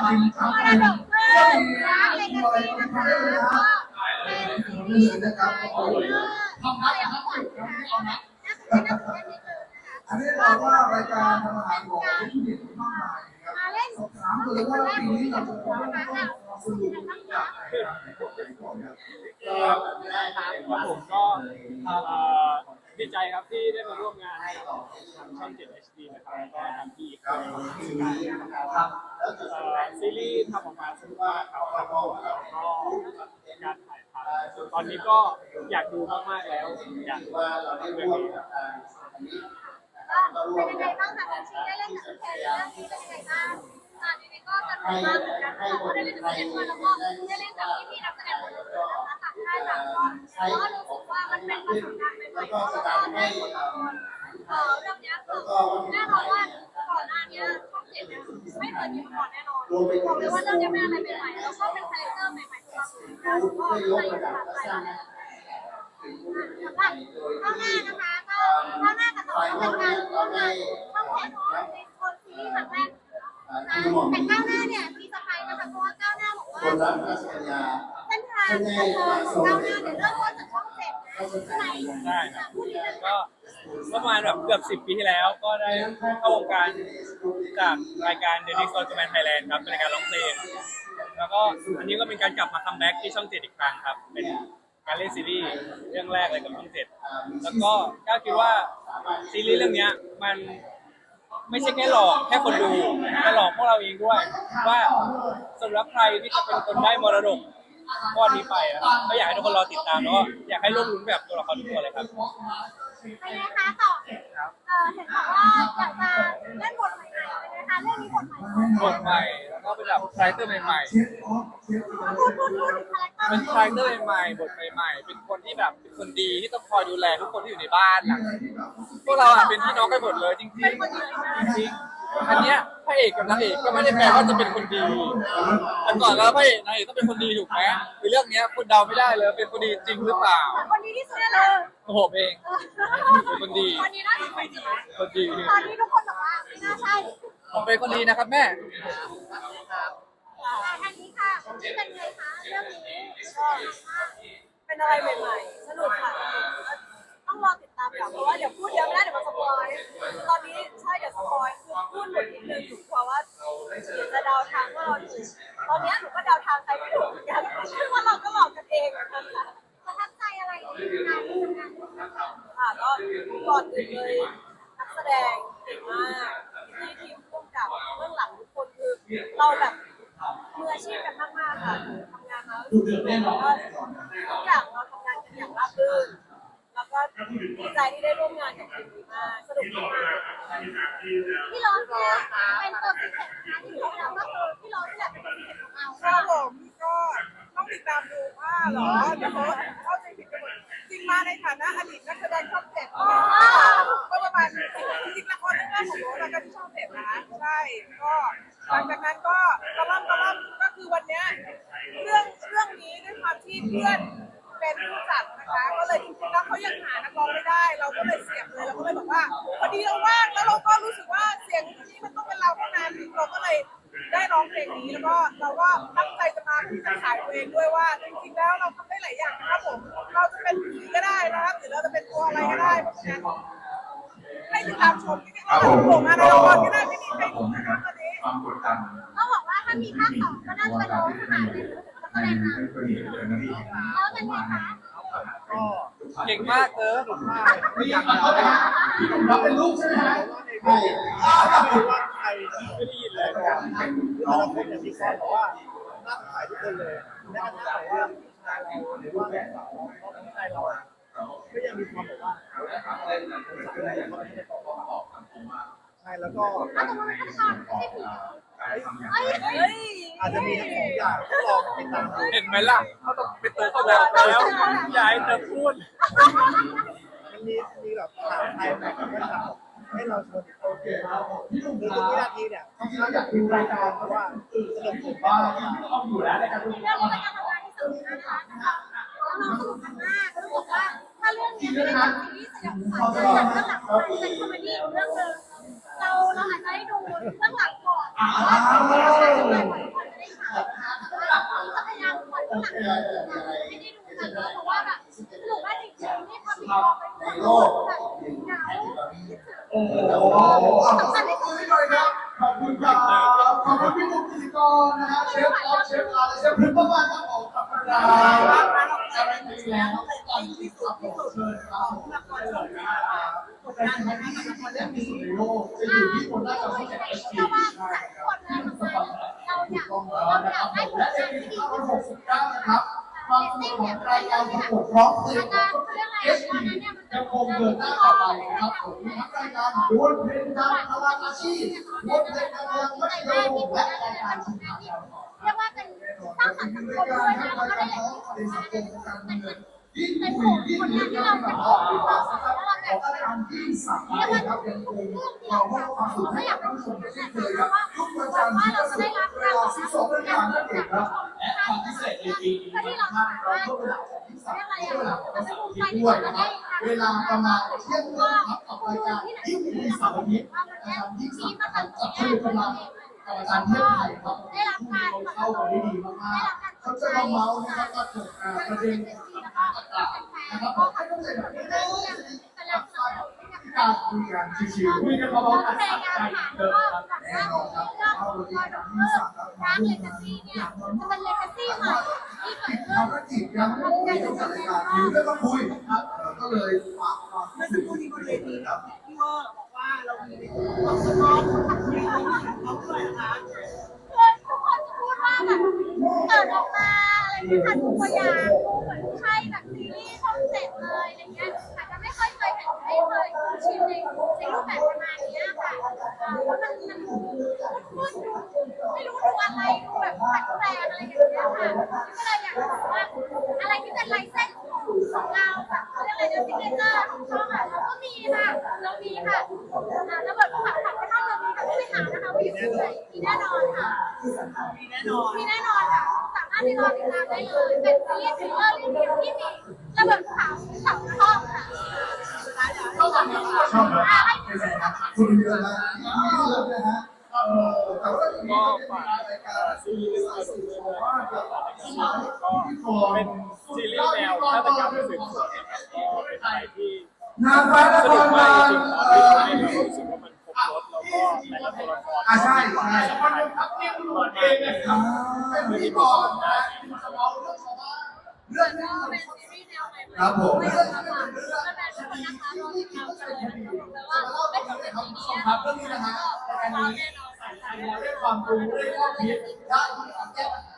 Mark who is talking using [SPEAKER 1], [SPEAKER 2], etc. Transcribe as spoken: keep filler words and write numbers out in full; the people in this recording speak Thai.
[SPEAKER 1] มรดกเพื่อนรักเลกาซีนะคะก็เป็นซีรีส์นะคะที่ทำมาอย่างก่อนนะคะน่าจะเป็นน่าจะเป็นนิดนึงนะคะ
[SPEAKER 2] อันนี้เราว่ารายการทำอาหารของผู้หญิงมากมายครับ
[SPEAKER 1] มาเล่น
[SPEAKER 2] ถามเลยว่าปีนี้เราจะต้องสนุกจาก
[SPEAKER 3] ก็ผมก็ดีใจครับที่ได้มาร่วมงานกับทางช่อง เจ็ด เอช ดี นะครับแล้วก็ทางพี่ครับซีรีส์ทำออกมาสนุกมากครับแล้วก็การถ่ายทำตอนนี้ก็อยากดูมากๆแล้วอยากว่าเรื่องนี้
[SPEAKER 1] เป็นยังไงบ้างคะคุณชีได้เล่นกับพี่แคนเรื่องนี้เป็นยังไงบ้างอ่านี่ก็สนุกมากเหมือนกันค่ะก็ได้เล่นกับพี่แคนแล้วก็ได้เล่นกับพี่พี่นักแสดงคนอื่นนะคะต่างค่ายต่างคนก็รู้สึกว่ามันเป็นประสบการณ์ใหม่ๆแล้วก็ได้ผลลัพธ์เออเรื่องนี้คือแน่นอนว่าก่อนหน้านี้ช่องเจ็ดเนี่ยไม่เคยมีมาก่อนแน่นอนบอกเลยว่าเรื่องนี้เป็นอะไรใหม่ๆแล้วก็เป็นคาแรคเตอร์ใหม่ๆสำหรับเราก็เลยประทับใจมากสำหรับข้าวหน้านะคะก็ข้าวหน้ากับสองเป็นการร่วมงานช่องเจ็ดในคนซีรีส์ครั้งแรกแต่ก้าวหน้าเนี่ยมีสไปนะคะเพราะว่าก้าวหน้าบอกว่าเส้นทางของก้าวหน้าเนี่ยเริ่มต้นจากช่องเจ็ดนะใช่ไหม
[SPEAKER 3] ใช่ครับก็ประมาณแบบเกือบสิบปีที่แล้วก็ได้เข้าวงการจากรายการ The Next Gen Thailand ครับเป็นรายการร้องเพลงแล้วก็อันนี้ก็เป็นการกลับมาคัมแบ็กที่ช่องเจ็ดอีกครั้งครับเป็นการเล่นซีรีส์เรื่องแรกเลยกับช่องเจ็ดแล้วก็ก้าวคิดว่าซีรีส์เรื่องนี้มันไม่ใช่แค่หลอกแค่คนดูแต่หลอกพวกเราเองด้วยว่าสำหรับใครที่จะเป็นคนได้มรดกก้อนนี้ไปนะครับก็อยากให้ทุกคนรอติดตามแล้วก็อยากให้ร่วมลุ้นแบบตัวละครทุกตัวเลยครับ
[SPEAKER 1] เป็นไงคะต่อเออเห็นบอกว่าอยากจะเล่นบทใหม่ๆเป็นไงคะเรื่องนี้บทใหม่
[SPEAKER 3] บทใหม่แล้วก็เป็นแบบคาแรคเตอร์ใหม่
[SPEAKER 1] ๆพูดพูดพูดคาแรคเตอร์
[SPEAKER 3] เป็นคาแรคเตอร์ใหม่บทใหม่ๆเป็นคนที่แบบเป็นคนดีที่ต้องคอยดูแลทุกคนที่อยู่ในบ้านนะพวกเราอ่ะเป็นพี่น้องกันหมดเลยจริงๆจริงอันเนี้ยพระเอกกับนางเอกก็ไม่ได้แปลว่าจะเป็นคนดีแต่ก่อนแล้วพระเอกนางเอกต้องเป็นคนดีถูกไหมในเรื่องนี้คุณเดาไม่ได้เลยเป็นคนดีจริงหรือเปล่า
[SPEAKER 1] คนดีที่สุดเลย
[SPEAKER 3] โอ้โหเองเป็นคนดี
[SPEAKER 1] คนดีน่าจะเป็น
[SPEAKER 3] คนดี
[SPEAKER 1] ตอนนี้ทุกคนบอกว่าไม่น่าใช่
[SPEAKER 3] ผมเป็นคนดีนะครับแม่
[SPEAKER 1] ทางนี้ค่ะเป็นไงคะเรื่องนี้ก็
[SPEAKER 4] เป็นอะไรใหม่ๆสนุกค่ะต้องรอติดตามอย่างเพราะว่าเดี๋ยวพูดเยอะไม่ได้เดี๋ยวมันสปอยตอนนี้ใช่เดี๋ยวสปอยคือพูดหมดนิดนึงอยู่กลัวว่าจะเดาทางว่าเราถูกตอนนี้หนูก็เดาทางใครไม่ถูกเหมือนกันซึ่งว่าเราก็หลอกกันเองเหมือนกันค่ะ
[SPEAKER 1] ประทับใจอะไรในงานที่ทำงาน
[SPEAKER 4] ค่ะก็ก่อนอื่นเลยนักแสดงเก่งมากที่ทีมร่วมกับเบื้องหลังทุกคนคือเราแบบมืออาชีพกันมากๆค่ะทำงานมาแล้วก็ทุกอย่างเราทำงานกันอย่างราบรื่นแล้วก็ดีใจที่ได้ร่วมงานกับทีมนี้มากสนุกมาก
[SPEAKER 1] พี่โรสเนี่ยเป็นตัวพิเศษนะคะที่เราก็คือพี่โรสที่แหละเป็นตัวพิเศษของเรา
[SPEAKER 4] ค่ะผมก็ต้องติดตามดูว่าหรอเดี๋ยวเขาเข้าใจผิดกันหมดจริงมาในฐานะอดีตนักแสดงช่องเจ็ดก็ประมาณจริงๆละครเรื่องแรกของโรสแล้วก็ที่ช่องเจ็ดนะใช่ก็หลังจากนั้นก็กระล่ำกระล่ำก็คือวันนี้เรื่องเรื่องนี้ด้วยความที่เพื่อนเป็นผู้จัดนะคะก็เลยจริงๆแล้วเขายังหานักร้องไม่ได้เราก็เลยเสียบเลยเราก็เลยบอกว่าพอดีเราว่างแล้วเราก็รู้สึกว่าเสียงนี้มันต้องเป็นเราเท่านั้นเราก็เลยได้ร้องเพลงนี้แล้วก็เราก็ตั้งใจจะมาที่จะขายตัวเองด้วยว่าจริงๆแล้วเราทำได้หลายอย่างนะครับผมเราจะเป็นผีก็ได้นะครับหรือเราจะเป็นตัวอะไรก็ได้เพราะฉะนั้นให้ติดตามชมจริงๆเราโผล่มาในละครก็ได้ไม่มีใครดูนะคะตอนนี้
[SPEAKER 1] ก็บอกว่าถ้ามีภาคสองก็น่าจะเป็นโรสค่ะเป็นนักแสดงนำแล้วเป็นไงคะ
[SPEAKER 3] เก่งมากเออถูกมากไม่อยาก
[SPEAKER 2] เราเป็นลูกใช่ไหมฮะ
[SPEAKER 3] ไม่ว่าใครไม่ได้ยินเลยน้องเป็นอย่างที่เขาบอกว่าน่าขายทุกคนเลยแม้กระทั่งว่าชายเราหรือว่าแม่สาวน้องชายเราก็ยังมีความแบบว่าใช่แล้วก็อาจจะมีทั้งสองอย่างลองติดตามเห็นไหมล่ะเขาต้องเป็นตัวเขาแล้วแล้วย้ายเธอพูดมันมีมีแบบถามไทยแบบไม่ถามให้เราชวนโอเคคือทุกวินาทีเนี่ยต้องอยากดูรายการเพราะว่าสนุกสุดว่า
[SPEAKER 1] ต้องอยู่แล้วในการดูเรื่องนี้เป็นการทำงานที่สนุกนะคะน้องสนุกมากรู้สึกว่าถ้าเรื่องนี้ไม่ได้เป็นซีรีส์สยองขวัญเรื่องหลังเรื่องหลังเป็นคอมเมดี้เรื่องนึงเราเราอาจจะได้ดูเรื่องหลังก่อนว่าเราจะเป็นคน
[SPEAKER 2] ขอบคุณพี่หน่อยครับขอบคุณครับขอบคุณพี่บุ๋มพิธีกรนะฮะเชฟออฟเชฟอาร์และเชฟพริมมากๆครับผมขอบคุณครับอะไรดีแล้วตอนที่สุดที่สุดเลยครับละครสดครับแต่สิ่งที่ละครเรื่องที่สุดในโลกจะอยู่ที่คนน่าจะเข้าใจเอชดี
[SPEAKER 1] เพราะว่าทุกคนเลยทำงานเราอยากเราอยากได้ผล
[SPEAKER 2] และ
[SPEAKER 1] งาน
[SPEAKER 2] เอ็ม
[SPEAKER 1] ที่
[SPEAKER 2] วี
[SPEAKER 1] ดี
[SPEAKER 2] ข้าว
[SPEAKER 1] ที่
[SPEAKER 2] ห
[SPEAKER 1] สุ
[SPEAKER 2] ก
[SPEAKER 1] ด
[SPEAKER 2] สิบเก้านะครับความสนุกของรายการประกวดร้องเพลงเอชดียังคงเดินหน้าต่อไปนะครับผมมีทั้งรายการดวลเพลงดังพลังอาชีพดวลเพลงดังพลังมัธยมและรายการชิงช้าดาว
[SPEAKER 1] เรียกว่าเป็นสร้างสรรค์สังคมด้วยนะแล้วก็ได้อย่างที่สุดเป็นเป็นผลผลงานที่เราเป็นของเราแล้วเราอยากจะเรียกว่าทุกเรื่องที่เราทำเราไม่อยากเป็นคนนะคะเพราะว่าเพราะว่าเราจะได้รับการตอบรับจากผู้ชมจากผู้ชมทางพิเศษในปีนี้ที่เราสามารถเรียกอะไรอ่ะเราไม่ภูมิใจที่เราได้เวลาประมาณเที่ยงคืนครับกับรายการที่มีสารพิษนะครับที่มีมาตรฐานที่กำลังกับอาจารย์เทพไทยครับได้รับการเข้ากันได้ดีมากๆเขาจะมาเมาส์นะครับมาถกประเด็นต่างๆนะครับผมให้เข้าใจแบบนี้ได้การคุยกันชิวๆคุยกันเบาๆแต่ใจเดิมครับแน่นอนครับเอาวันนี้ที่สามครับมาร่วมงานอย่างน้อยจะเป็นเลกาซี่ใหม่ที่เกิดขึ้นภารกิจยังไม่ได้จบจากรายการอยู่ได้มาคุยครับก็เลยฝากความ
[SPEAKER 4] เมื่อสักครู่นี้บนเวทีกับพี่เวอร์บอกว่าเรามีในส่วนของสมองมีของเขาด้วยนะคะ
[SPEAKER 1] คือทุกคนจะพูดว่าแบบเปิดออกมาอะไรเงี้ยค่ะทุกตัวอย่างดูเหมือนใช่แบบซีรีส์ช่องเจ็ดเลยอะไรเงี้ยแต่ก็ไม่ค่อยเคยเห็นไม่เคยชิมในในรูปแบบประมาณนี้ค่ะเออแล้วมันมันพูดพูดดูไม่รู้ดูอะไรดูแบบแปลกๆอะไรอย่างเงี้ยค่ะก็เลยอยากจะบอกว่าอะไรที่เป็นลายเส้นของเราแบบเขาเรียกอะไรนะซิกเนเจอร์ของช่องอ่ะเราก็มีค่ะเรามีค่ะอ่าแล้วแบบผักผักไปทอดเรามีค่ะไม่หานะคะว่าอยู่ที่ไหนมีแน่นอนค่ะ
[SPEAKER 4] มีแน่นอน
[SPEAKER 1] มีแน่นอนค่ะสามารถไปรอติดตามได้เลยเป็นซีรีส์ทริลเลอร์เรื่องเดียวที่มีระเบิดขาวสองช่องค่ะ
[SPEAKER 2] ชอบครับคุณเยอะนะที่เลือกนะฮะเออแต่ว่าทีนี้ก็เป็นรายการซีรีส์สุดๆว่าจะเป็น
[SPEAKER 3] ซีรีส์แนวฆาตกรรมสืบสวนนะครับก็เป็นอะไรที่
[SPEAKER 2] นางฟ้า
[SPEAKER 3] ส
[SPEAKER 2] นค
[SPEAKER 3] นุ
[SPEAKER 2] ร
[SPEAKER 3] ก
[SPEAKER 2] บา
[SPEAKER 3] มา
[SPEAKER 2] ล
[SPEAKER 3] กจริงๆตอน
[SPEAKER 2] เอ
[SPEAKER 3] ที่
[SPEAKER 2] อ
[SPEAKER 3] ทำให้เรารู้สึกว่ามันครบรถแล้วก็แต่ละตัวละคร
[SPEAKER 2] อ่าใช่ใช่
[SPEAKER 3] สำคัญ
[SPEAKER 2] ครับที่ตำรวจเองนะครับเป็นพิธีกรนะจะเมาเรื่องชาวบ้านเรื่องนี้
[SPEAKER 1] เป็นซีรีส์แนวใหม่ๆ
[SPEAKER 2] ครับผม
[SPEAKER 1] ไม่
[SPEAKER 2] เรื่
[SPEAKER 1] เรื่
[SPEAKER 2] อ
[SPEAKER 1] อง ง
[SPEAKER 2] นี้
[SPEAKER 1] นะคะ
[SPEAKER 2] เป็นเรื่อง
[SPEAKER 1] แล้วแฟนทุกคนนะคะรอติดตามกันเลยนะคะบอกเลย
[SPEAKER 2] ว่า
[SPEAKER 1] ว่า
[SPEAKER 2] ไม่
[SPEAKER 1] ไม่
[SPEAKER 2] ถึ
[SPEAKER 1] ถึ
[SPEAKER 2] ง
[SPEAKER 1] ง
[SPEAKER 2] ใน
[SPEAKER 1] ใน
[SPEAKER 2] คำ
[SPEAKER 1] ปี
[SPEAKER 2] ผู้ช
[SPEAKER 1] นี้
[SPEAKER 2] มครับเรื่องนี้นะฮะรายการ
[SPEAKER 1] ว้าว
[SPEAKER 2] นี้
[SPEAKER 1] แน่นอนค่ะ
[SPEAKER 2] ได้ความรู้ได้ข้อคิดได้ความแก้ปัญหา